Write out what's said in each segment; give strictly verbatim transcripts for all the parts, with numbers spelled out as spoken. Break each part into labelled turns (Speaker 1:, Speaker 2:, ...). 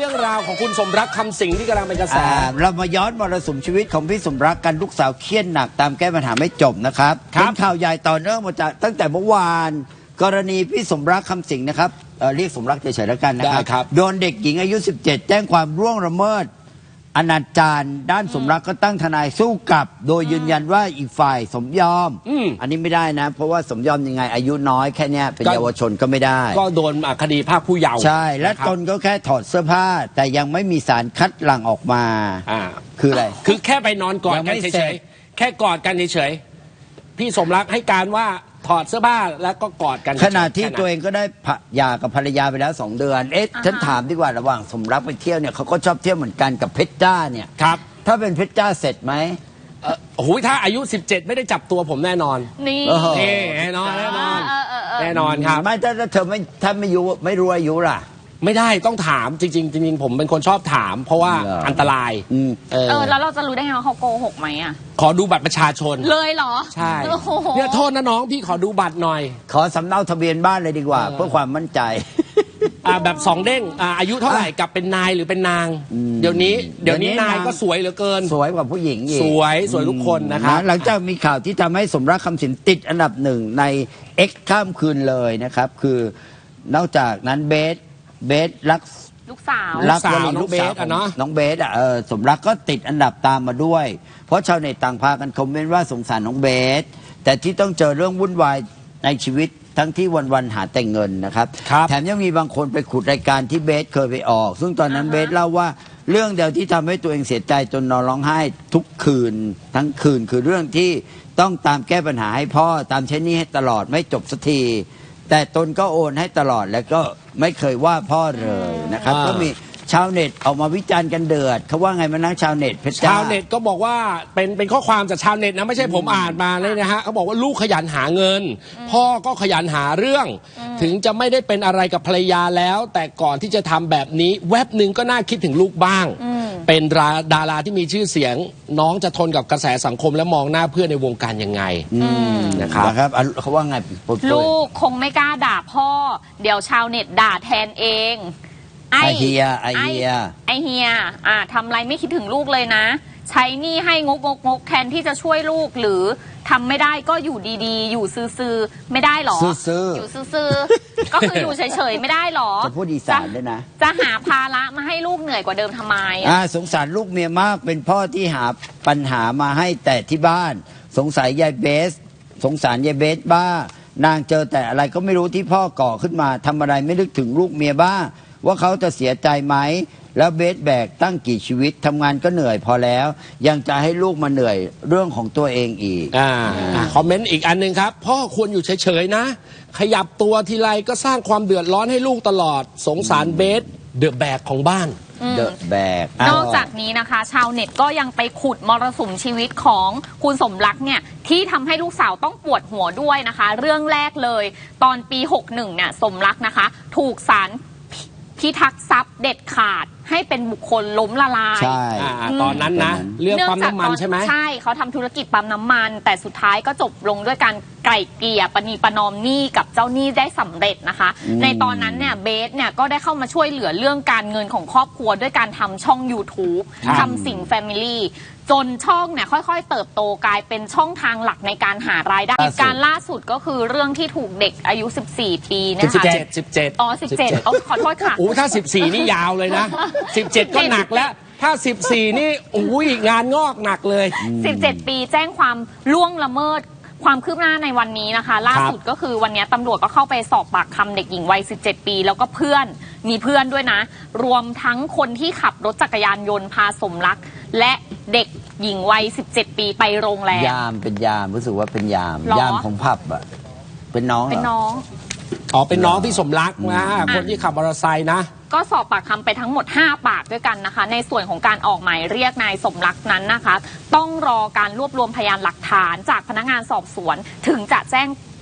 Speaker 1: รื่องราวของคุณสมรักคำสิงห์ที่กำลังเป็นกระแส
Speaker 2: เรามาย้อนมรสุมชีวิตของพี่สมรักกันลูกสาวเครียดหนักตามแก้ปัญหาไม่จบนะครับเป็นข่าวใหญ่ต่อเนื่องมาจากตั้งแต่เมื่อวานกรณีพี่สมรักคำสิงห์นะครับเรียกสมรักเฉยๆแล้วกันนะครับโดนเด็กหญิงอายุสิบเจ็ดแจ้งความร่วงละเมิดอนาจารด้านสมรักก็ตั้งทนายสู้กลับโดยยืนยันว่าอีกฝ่ายสมยอม อันนี้ไม่ได้นะเพราะว่าสมยอมยังไงอายุน้อยแค่นี้เป็นเยาวชนก็ไม่ได้
Speaker 1: ก็โดนคดีภาคผู้เยาว์
Speaker 2: ใช่และตนก็แค่ถอดเสื้อผ้าแต่ยังไม่มีสารคัดหลั่งออกมาคืออะไร
Speaker 1: คือแค่ไปนอนกอดกันเฉยๆแค่กอดกันเฉยๆพี่สมรักให้การว่าถอดเสื้อผ้าแล้วก็กอดกัน
Speaker 2: ขณะที่ตัวเองก็ได้หย่ากับภรรยาไปแล้วสองเดือนเอ๊ะฉันถามดีกว่าระหว่างสมรักไปเที่ยวเนี่ยเขาก็ชอบเที่ยวเหมือนกันกับเพชรจ้าเนี่ย
Speaker 1: ครับ
Speaker 2: ถ้าเป็นเพชรจ้าเสร็จไหม
Speaker 1: โอ้โหถ้าอายุสิบเจ็ดไม่ได้จับตัวผมแน่นอน
Speaker 3: นี่
Speaker 1: แน่นอนแน่นอนแน่นอนครับ
Speaker 2: ไม่ถ้าเธอไม่ถ้าไม่อายุไม่รู้อายุล่ะ
Speaker 1: ไม่ได้ต้องถามจริงๆจริงๆผมเป็นคนชอบถามเพราะว่าอันตราย
Speaker 3: เออแล้วเราจะรู้ได้ไงว่าเขาโกหกไหมอ่ะ
Speaker 1: ขอดูบัตรประชาชน
Speaker 3: เลยเหรอ
Speaker 1: ใช่เนี่ยโทษนะน้องพี่ขอดูบัตรหน่อย
Speaker 2: ขอสำเนาทะเบียนบ้านเลยดีกว่าเพื่อความมั่นใจ
Speaker 1: อ่าแบบสองเด้งอ่าอายุเท่าไหร่กับเป็นนายหรือเป็นนางเดี๋ยวนี้เดี๋ยวนี้นายก็สวยเหลือเกิน
Speaker 2: สวยกว่าผู้หญิงอีก
Speaker 1: สวยสวยทุกคนนะครับ
Speaker 2: หลังจากมีข่าวที่ทำให้สมรักคำสิงห์ติดอันดับหนึ่งใน X ข้ามคืนเลยนะครับคือนอกจากนั้นเบสเบสรัก
Speaker 3: ลูกสาว
Speaker 2: รักลูกสาวของน้องเบสอ่ะเออสมรักก็ติดอันดับตามมาด้วยเพราะชาวเน็ตต่างพากันคอมเมนต์ว่าสงสารน้องเบสแต่ที่ต้องเจอเรื่องวุ่นวายในชีวิตทั้งที่วันๆหาแต่เงินนะครับแถมยังมีบางคนไปขุดรายการที่เบสเคยไปออกซึ่งตอนนั้นเบสเล่าว่าเรื่องเดียวที่ทำให้ตัวเองเสียใจจนนอนร้องไห้ทุกคืนทั้งคืนคือเรื่องที่ต้องตามแก้ปัญหาให้พ่อตามใช้หนี้ให้ตลอดไม่จบสักทีแต่ตนก็โอนให้ตลอดแล้วก็ไม่เคยว่าพ่อเลยนะครับก็มีชาวเน็ตออกมาวิจารณ์กันเดือดเขาว่าไงมานั่งชาวเน็ตเพชรจ้า
Speaker 1: ชาวเน็ตก็บอกว่าเป็นเป็นข้อความจากชาวเน็ตนะไม่ใช่ผมอ่านมาเลยนะฮะเขาบอกว่าลูกขยันหาเงินพ่อก็ขยันหาเรื่องถึงจะไม่ได้เป็นอะไรกับภรรยาแล้วแต่ก่อนที่จะทำแบบนี้แวบหนึ่งก็น่าคิดถึงลูกบ้างเป็นดาราที่มีชื่อเสียงน้องจะทนกับกระแสสังคมและมองหน้าเพื่อนในวงการยังไง
Speaker 2: นะครับนะครับเขาว่าไง
Speaker 3: ลูกคงไม่กล้าด่าพ่อเดี๋ยวชาวเน็ตด่าแทนเอง
Speaker 2: ไอเฮียไอเฮีย
Speaker 3: ไอเฮียอ่าทำไรไม่คิดถึงลูกเลยนะใช้หนี้ให้งกงกงกแทนที่จะช่วยลูกหรือทำไม่ได้ก็อยู่ดีๆอยู่ซื่อๆไม่ได้หรออยู่ซื่อๆก็คืออยู่เฉยๆไม่ได้หรอ
Speaker 2: จะพูดอีสานด้วยนะ
Speaker 3: จะหาภาระมาให้ลูกเหนื่อยกว่าเดิมทำไม
Speaker 2: อ่าสงสารลูกเมียมากเป็นพ่อที่หาปัญหามาให้แต่ที่บ้านสงสัยยายเบสสงสารยายเบสบ้านางเจอแต่อะไรก็ไม่รู้ที่พ่อก่อขึ้นมาทำอะไรไม่นึกถึงลูกเมียบ้าว่าเขาจะเสียใจไหมแล้วเบสแบกตั้งกี่ชีวิตทำงานก็เหนื่อยพอแล้วยังจะให้ลูกมาเหนื่อยเรื่องของตัวเองอีก
Speaker 1: อ่าคอมเมนต์อีกอันหนึ่งครับพ่อควรอยู่เฉยๆนะขยับตัวทีไรก็สร้างความเดือดร้อนให้ลูกตลอดสงสารเบสเดอะแบกของบ้าน
Speaker 2: เดอะแบก
Speaker 3: นอกจากนี้นะคะชาวเน็ตก็ยังไปขุดมรสุมชีวิตของคุณสมรักเนี่ยที่ทำให้ลูกสาวต้องปวดหัวด้วยนะคะเรื่องแรกเลยตอนปีหกสิบเอ็ดเนี่ยสมรักนะคะถูกศาลพิทักษ์ทรัพย์เด็ดขาดให้เป็นบุคคลล้มละลาย
Speaker 2: ใช่
Speaker 1: ตอนนั้นนะเรื่องปั๊มน้ำมันใช่ไหม
Speaker 3: ใช่เขาทำธุรกิจปั๊มน้ำมันแต่สุดท้ายก็จบลงด้วยการไกล่เกลี่ยปณีประนอมหนี้กับเจ้าหนี้ได้สำเร็จนะคะในตอนนั้นเนี่ยเบสเนี่ยก็ได้เข้ามาช่วยเหลือเรื่องการเงินของครอบครัวด้วยการทำช่อง ยูทูบ ทำสิ่งแฟมิลี่จนช่องเนี่ยค่อยๆเติบโตกลายเป็นช่องทางหลักในการหารายได้เหตุการณ์ล่าสุดก็คือเรื่องที่ถูกเด็กอายุสิบสี่ปีนะคะ
Speaker 1: สิบเจ็ด สิบเจ็ด
Speaker 3: อ๋อสิบเจ็ดอ๋อขอโทษค่ะ
Speaker 1: โอ้ถ้าสิบสี่นี่ยาวเลยนะสิบเจ็ดก็หนักแล้วถ้าสิบสี่นี่อุ้ยงานงอกหนักเลย
Speaker 3: สิบเจ็ดปีแจ้งความล่วงละเมิดความคืบหน้าในวันนี้นะคะล่าสุดก็คือวันนี้ตำรวจก็เข้าไปสอบปากคำเด็กหญิงวัยสิบเจ็ดปีแล้วก็เพื่อนมีเพื่อนด้วยนะรวมทั้งคนที่ขับรถจักรยานยนต์พาสมรักและเด็กหญิงวัยสิบเจ็ดปีไปโรงแรม
Speaker 2: ยามเป็นยามรู้สึกว่าเป็นยามยามของผับอ่ะเป็นน้อง
Speaker 3: เป็นน้อง
Speaker 1: อ๋อเป็นน้องที่สมรักนะคนที่ขับมอเตอร์ไซค์นะ
Speaker 3: ก็สอบปากคำไปทั้งหมดห้าปากด้วยกันนะคะในส่วนของการออกหมายเรียกนายสมรักนั้นนะคะต้องรอการรวบรวมพยานหลักฐานจากพนักงานสอบสวนถึงจะแจ้ง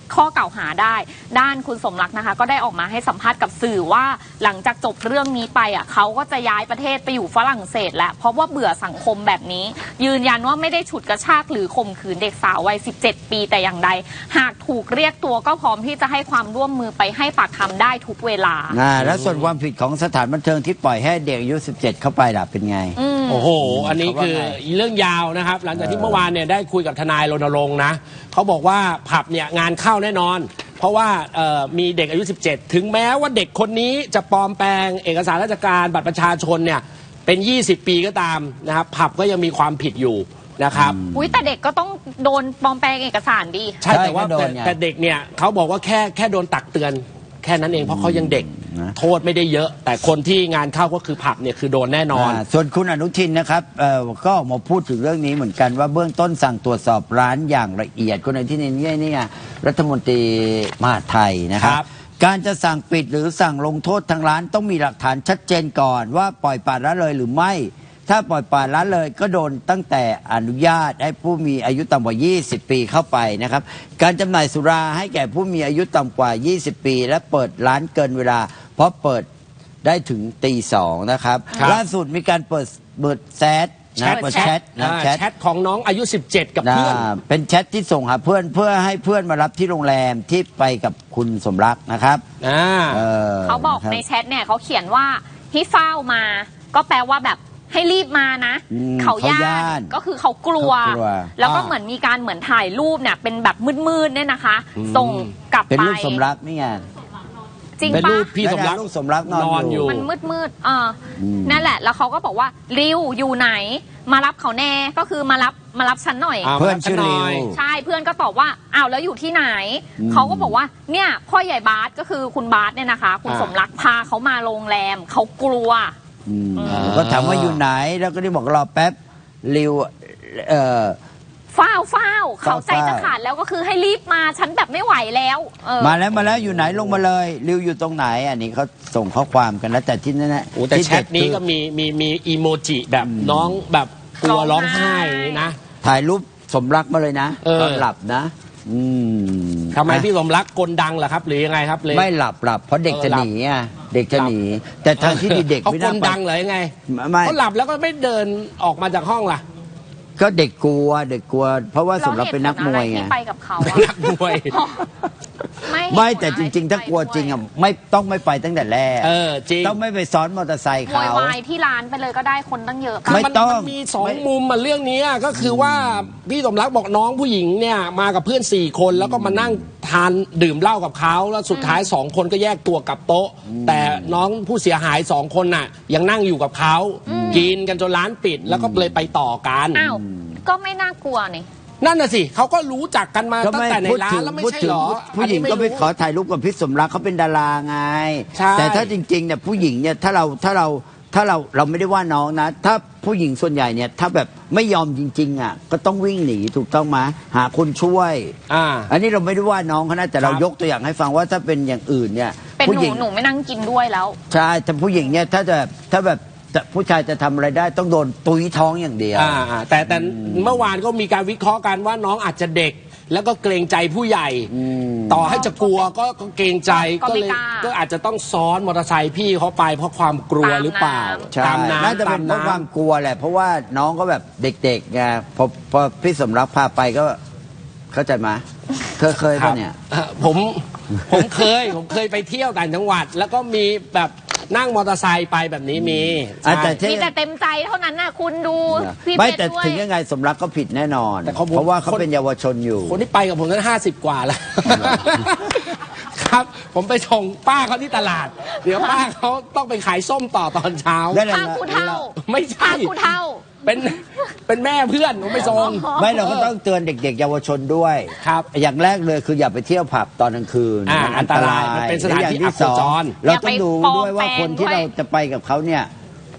Speaker 3: ข้อกล่าวหาได้ด้านคุณสมรักนะคะก็ได้ออกมาให้สัมภาษณ์กับสื่อว่าหลังจากจบเรื่องนี้ไปอ่ะเขาก็จะย้ายประเทศไปอยู่ฝรั่งเศสแล้วเพราะว่าเบื่อสังคมแบบนี้ยืนยันว่าไม่ได้ฉุดกระชากหรือข่มขืนเด็กสาววัยสิบเจ็ดปีแต่อย่างใดหากถูกเรียกตัวก็พร้อมที่จะให้ความร่วมมือไปให้ปากคำได้ทุกเวลา
Speaker 2: อ่าแล้วส่วนความผิดของสถานบันเทิงที่ปล่อยให้เด็กอายุสิบเจ็ดเข้าไปล่ะเป็นไง
Speaker 1: โอ้โหอันนี้คือเรื่องยาวนะครับหลังจากที่เมื่อวานเนี่ยได้คุยกับทนายรณรงค์นะเขาบอกว่าผับเนี่ยงานเข้าแน่นอนเพราะว่ามีเด็กอายุสิบเจ็ดถึงแม้ว่าเด็กคนนี้จะปลอมแปลงเอกสารราชการบัตรประชาชนเนี่ยเป็นยี่สิบปีก็ตามนะครับผับก็ยังมีความผิดอยู่นะครับ
Speaker 3: อุ้ยแต่เด็กก็ต้องโดนปลอมแปลงเอกสารดิ
Speaker 1: ใช่แต่ว่าแต่เด็กเนี่ยเขาบอกว่าแค่แค่โดนตักเตือนแค่นั้นเองเพราะเขายังเด็กโทษไม่ได้เยอะแต่คนที่งานเข้าก็คือผับเนี่ยคือโดนแน่นอน
Speaker 2: ส่วนคุณอนุทินนะครับก็มาพูดถึงเรื่องนี้เหมือนกันว่าเบื้องต้นสั่งตรวจสอบร้านอย่างละเอียดคุณอนุทินนี่นี่รัฐมนตรีมหาดไทยนะครับการจะสั่งปิดหรือสั่งลงโทษทางร้านต้องมีหลักฐานชัดเจนก่อนว่าปล่อยปละละเลยหรือไม่ถ้าปล่อยปละละเลยก็โดนตั้งแต่อนุญาตให้ผู้มีอายุต่ำกว่ายี่สิบปีเข้าไปนะครับการจำหน่ายสุราให้แก่ผู้มีอายุต่ำกว่ายี่สิบปีและเปิดร้านเกินเวลาเพราะเปิดได้ถึงตีสองนะครับล่าสุดมีการเปิดเปิดแชทนะเปิดแชท
Speaker 1: นะแชทของน้องอายุสิบเจ็ดกับเพื่อน
Speaker 2: เป็นแชทที่ส่งหาเพื่อนเพื่อให้เพื่อนมารับที่โรงแรมที่ไปกับคุณสมรักนะครับ
Speaker 3: เขาบอกในแชทเนี่ยเขาเขียนว่าให้เฝ้ามาก็แปลว่าแบบให้รีบมานะเขาย่านก็คือเขากลัวแล้วก็เหมือนมีการเหมือนถ่ายรูปเนี่ยเป็นแบบมืดๆเนี่ยนะคะส่งกลับไป
Speaker 2: เป็นรูปสมรักนี่ไง
Speaker 3: จริง
Speaker 1: ปะเป็นรูปพี่สมรัก
Speaker 2: สมรักนอนอยู่
Speaker 3: มันมืดๆอ่านั่นแหละแล้วเขาก็บอกว่าริวอยู่ไหนมารับเขาแน่ก็คือมารับมารับฉันหน่อย
Speaker 2: เพื่อนชื่อริว
Speaker 3: ใช่เพื่อนก็ตอบว่าอ้าวแล้วอยู่ที่ไหนเขาก็บอกว่าเนี่ยพ่อใหญ่บาสก็คือคุณบาสเนี่ยนะคะคุณสมรักพาเขามาโรงแรมเขากลัว
Speaker 2: ก็ถามว่าอยู่ไหนแล้วก็ได้บอกรอแป๊บริวเอ่อ
Speaker 3: ฟ้าวฟ้าวเขาใจจะขาดแล้วก็คือให้รีบมาฉันแบบไม่ไหวแล้ว
Speaker 2: มาแล้วมาแล้วอยู่ไหนลงมาเลยริวอยู่ตรงไหนอันนี้เขาส่งข้อความกันแล้วแต่ที่นั่นนะ
Speaker 1: แต่แชทนี้ก็มีมีมีอีโมจิแบบน้องแบบกลัวร้องไห้นะ
Speaker 2: ถ่ายรูปสมรักมาเลยนะตอนหลับนะอื
Speaker 1: มทำไมพี่สมรักกลดังเหรอครับหรือยังไงครับเลย
Speaker 2: ไม่หลับหลับเพราะเด็กจะหนีอ่ะเด็กจะหนีแต่ทางที่ดีเด็ก
Speaker 1: ไม่น่าเขากลดังเลยไงเขาหลับแล้วก็ไม่เดินออกมาจากห้องล่ะ
Speaker 2: ก็เด็กกลัวเด็กกลัวเพราะว่าสมรักเป็นนักมวยไง
Speaker 3: ไปกับเขา
Speaker 1: นักมวย
Speaker 2: ไม่แต่จริงๆถ้ากลัวจริงอ่ะไม่ต้องไม่ไปตั้งแต่แรก
Speaker 1: เออจริง
Speaker 2: ต้องไม่ไปซ้อนมอเตอร์ไซค์เขา
Speaker 3: วายที่ร้านไปเลยก็ได้คนตั้งเยอะ
Speaker 2: ไม่ต้อง
Speaker 1: มันมีสองมุมมาเรื่องนี้ก็คือว่าพี่สมรักบอกน้องผู้หญิงเนี่ยมากับเพื่อนสี่คนแล้วก็มานั่งทานดื่มเหล้ากับเขาแล้วสุดท้ายสองคนก็แยกตัวกลับโต๊ะแต่น้องผู้เสียหายสองคนน่ะยังนั่งอยู่กับเขากินกันจนร้านปิดแล้วก็เลยไปต่อกัน
Speaker 3: อ้าวก็ไม่น่ากลัวนี่
Speaker 1: นั่นน่ะสิเขาก็รู้จักกันมาตั้งแต่ในร้านแล้วไม่ใช่หรอ
Speaker 2: ผู้หญิงก็ไปขอถ่ายรูปกับพี่สมรักเขาเป็นดาราไงแต่ถ้าจริงๆเนี่ยผู้หญิงเนี่ยถ้าเราถ้าเราถ้าเราเราไม่ได้ว่าน้องนะถ้าผู้หญิงส่วนใหญ่เนี่ยถ้าแบบไม่ยอมจริงๆอ่ะก็ต้องวิ่งหนีถูกต้องไหมหาคนช่วยอ่าอันนี้เราไม่ได้ว่าน้องเขานะแต่เรายกตัวอย่างให้ฟังว่าถ้าเป็นอย่างอื่นเนี่ย
Speaker 3: เป็นหนูหนูไม่นั่งกินด้วยแล้ว
Speaker 2: ใช่แต่ผู้หญิงเนี่ยถ้าจะถ้าแบบผู้ชายจะทำอะไรได้ต้องโดนตุ้ยท้องอย่างเดียว
Speaker 1: แต่แต่เมื่อวานก็มีการวิเคราะห์กันว่าน้องอาจจะเด็กแล้วก็เกรงใจผู้ใหญ่ต่อให้จะกลัวก็เกรงใจก็เลยก็อาจจะต้องซ้อนมอเตอร์ไซค์พี่เขาไปเพราะความกลัวหรือเปล่า
Speaker 2: ตามน้ำน่าจะเป็นเพราะความกลัวแหละเพราะว่าน้องก็แบบเด็กๆไงพอพอพี่สมรักพาไปก็เข้าใจไหมเธอเคยป่ะเนี่ย
Speaker 1: ผมผมเคยผมเคยไปเที่ยวต่างจังหวัดแล้วก็มีแบบนั่งมอเตอร์ไซค์ไปแบบนี้มี
Speaker 3: มีแต่เต็มใจเท่านั้นน่ะคุณดู
Speaker 2: พี่ไม่แต่ถึงยังไงสมรักก็ผิดแน่นอนเพราะว่าเขาเป็นเยาวชนอยู่
Speaker 1: คนที่ไปกับผมนั้นห้าสิบกว่าแล้วครับผมไปส่งป้าเขาที่ตลาดเดี๋ยวป้าเขาต้องไปขายส้มต่อตอนเช้า
Speaker 3: ป้าผู้เฒ่า
Speaker 1: ไม่ใช่
Speaker 3: ป้าผู้เฒ่า
Speaker 1: เป็นเป็นแม่เพื่อนผมไปส่ง
Speaker 2: ไม่เราก็ต้องเตือนเด็กๆเยาวชนด้วยครับอย่างแรกเลยคืออย่าไปเที่ยวผับตอนกลางคืน
Speaker 1: มันอันตรายมันเป็นสถานที่อับจร
Speaker 2: เราต้องดูด้วยว่าคนที่เราจะไปกับเขาเนี่ย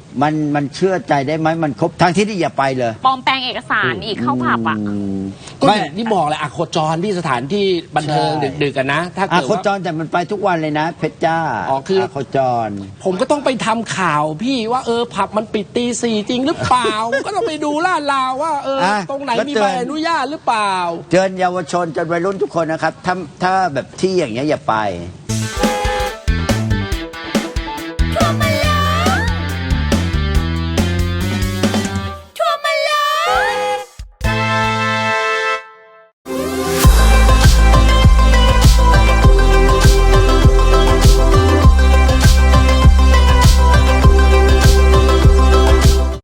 Speaker 2: มันมันเชื่อใจได้ไหมมันครบทั้งที่นี่อย่าไปเลย
Speaker 3: ปลอมแปลงเอกสารอีกเข้าผับอ่ะ
Speaker 2: ม
Speaker 1: ก็
Speaker 2: ไม่
Speaker 1: อย่างที่บอกแหละอะโคจรที่สถานที่บันเทิง
Speaker 2: ใช่
Speaker 1: ดึกๆกันนะ ถ้า
Speaker 2: อา
Speaker 1: เกิด
Speaker 2: โค
Speaker 1: ว่า
Speaker 2: จรแต่มันไปทุกวันเลยนะ เพชรจ้า
Speaker 1: อ๋อคือ
Speaker 2: โคจร
Speaker 1: ผมก็ต้องไปทำข่าวพี่ว่าเออผับมันปิดตีสี่จริงหรือเปล่า ก็ต้องไปดูลาดราวว่าเออ
Speaker 2: อ่ะ
Speaker 1: ตรงไหน
Speaker 2: ก็
Speaker 1: มี
Speaker 2: เตื
Speaker 1: ใบ
Speaker 2: อน
Speaker 1: อนุญาตหรือเปล่า
Speaker 2: เตือนเยาวชนจนวัยรุ่นทุกคนนะครับถ้าถ้าแบบที่อย่างเงี้ยอย่าไป